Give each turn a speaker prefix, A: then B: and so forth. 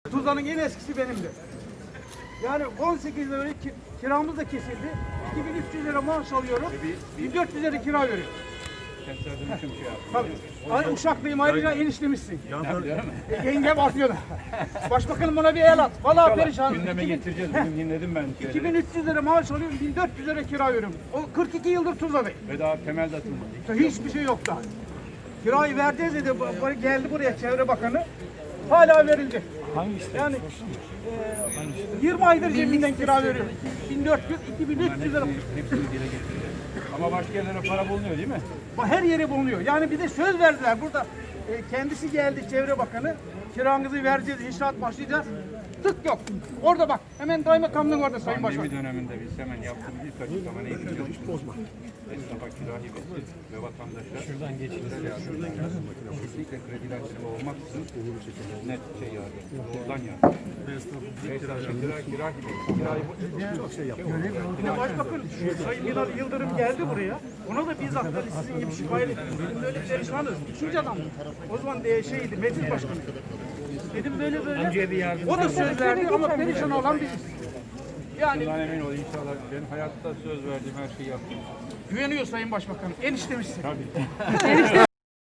A: Tuzla'nın en eskisi benimdi. Yani 18 lira kiramız da kesildi. 2300 lira maaş alıyorum. 1400 lira kira veriyorum. Tabii. Ay Uşaklıyım, ayrıca enişlemişsin. Yengem atıyor da. Başbakanım bana bir el at. Vallahi perişan.
B: Gündeme getireceğiz. Bugün dinledim ben.
A: 2300 lira maaş alıyorum, 1400 lira kira veriyorum. O 42 yıldır Tuzla'dayım.
B: Ve daha temel de atılmadı.
A: Hiçbir şey yok daha. Kirayı vereceğiz dedi. Geldi buraya Çevre Bakanı. Hala verildi.
B: Hangi işte?
A: Yani 20 aydır cebimden kira veriyorum. 1400, 2300 lira.
B: Hepsini dile getireceğiz. Ama başka yerlere para bulunuyor değil mi?
A: Her yere bulunuyor. Yani bir de söz verdiler burada. Kendisi geldi Çevre Bakanı. Kiranızı vereceğiz, inşaat başlayacağız. Tık yok. Orada bak. Hemen Kaymakamlığın orada Sayın Başkan.
B: Pandemi döneminde biz hemen yaptığımız ilk açıklama neydi biliyor musunuz? Esnafa kira hibesi ve vatandaşlar şuradan geçtiler ya. Kesinlikle kredilendirme olmaksızın net şey yardım. Doğrudan yardım. Kira hibesi. Çok şey yapıyor.
A: Yine Başbakan Sayın Binali Yıldırım geldi buraya. Ona da bizzat dedi, sizin gibi şikayet ettim. Dedim böyle perişanız. İkinci adam. O zaman şeydi, meclis başkanı. Dedim böyle. O da söz verdi ama perişan olan biziz. Yani
B: Bundan emin ol inşallah. Ben hayatta söz verdiğim her şeyi yaptım.
A: güveniyor Sayın Başbakanım. Eniştemişsin.
B: Tabii.